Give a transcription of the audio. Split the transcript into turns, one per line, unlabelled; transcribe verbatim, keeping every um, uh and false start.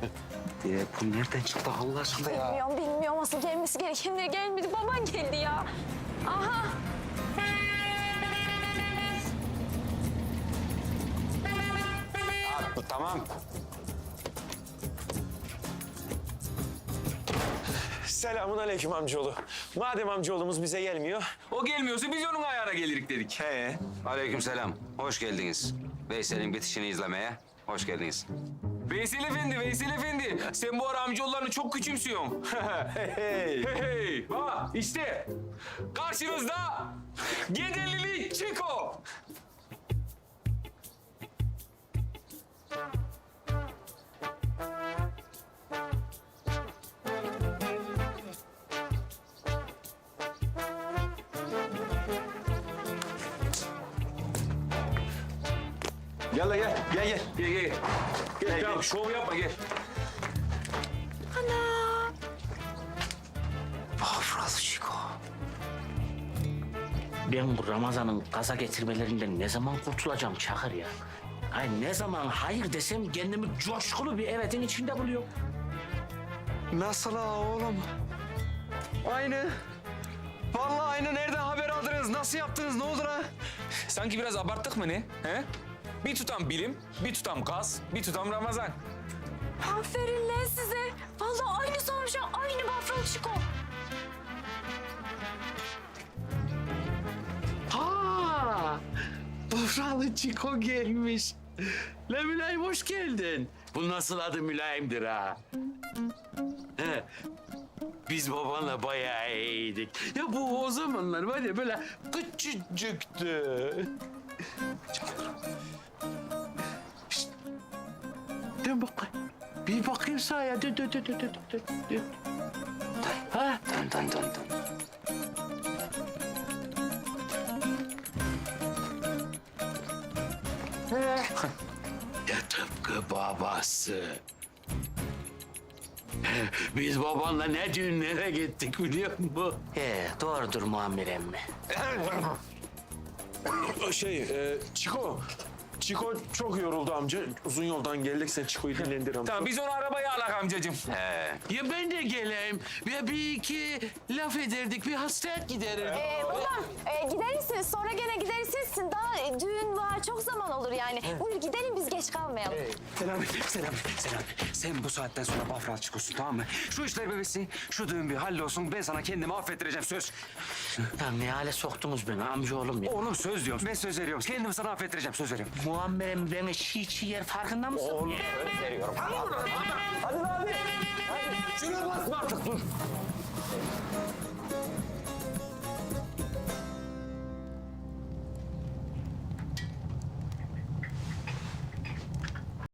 Ya bu nereden çıktı Allah aşkına ya?
Bilmiyorum, bilmiyorum. Asıl gelmesi gerekenler gelmedi. Baban geldi ya. Aha.
Abi, tamam.
Selamun aleyküm amcaoğlu. Madem amcaoğlumuz bize gelmiyor.
O gelmiyorsa biz onun ayağına gelirik dedik.
He.
Aleykümselam. Hoş geldiniz. Veysel'in bitişini izlemeye hoş geldiniz.
Veysel Efendi, Veysel Efendi. Sen bu ara amcaoğullarını çok küçümsüyorsun.
Hey.
hey hey. Bak işte karşınızda Gederlili Çiko.
Gel la gel. Gel gel.
Gel gel. Gel,
Gel,
tamam
gel.
şov yapma gel.
Bafralı Çiko.
Ben bu Ramazan'ın gaza getirmelerinden ne zaman kurtulacağım Çakır ya? Ay ne zaman hayır desem kendimi coşkulu bir evetin içinde buluyorum.
Nasıl ha oğlum? Aynı. Vallahi aynı. Nereden haber aldınız? Nasıl yaptınız? Ne oldu ha?
Sanki biraz abarttık mı ne? He? Bir tutam bilim, bir tutam gaz, bir tutam Ramazan.
Aferin lan size. Vallahi aynı sormuş ha. Aynı Bafralı Çiko.
Ha! Bafralı Çiko gelmiş. La Mülayim hoş geldin. Bu nasıl adı Mülayim'dir ha? He. Biz babanla bayağı iyiydik. Ya bu o zamanlar var ya böyle küçücüktü. Şşt. Dön bakayım. Bir bakayım sağa. Dön, dön, dön, dön, dön, dön, dön. Ha?
Dön dön dön dön.
Ya tıpkı babası. Biz babanla ne düğünlere gittik biliyor musun? He, doğrudur Muammer emmi.
Şey, e, Çiko. Çiko çok yoruldu amca. Uzun yoldan geldik. Sen Çiko'yu dinlendir amca.
Tamam biz onu arabaya alak amcacığım.
He.
Ya ben de geleyim. Ve bir iki laf ederdik, bir hasret giderir.
Ee, babam e, gidersiniz. Sonra gene gidersiniz. Daha e, düğün var. Çok zaman olur yani. Buyur gidelim biz geç kalmayalım.
Selami, Selami, Selami. Sen bu saatten sonra Bafralı Çiko'sun tamam mı? Şu işler bebesi, şu düğün bir hallolsun. Ben sana kendimi affettireceğim söz.
Ya ne hale soktunuz beni amcaoğlum ya.
Oğlum söz diyorum. Ben söz veriyorum. Kendimi sana affettireceğim söz veriyorum.
Muammer emmi beni çiğ çiğ yer farkında mısın?
Şuna basma artık dur.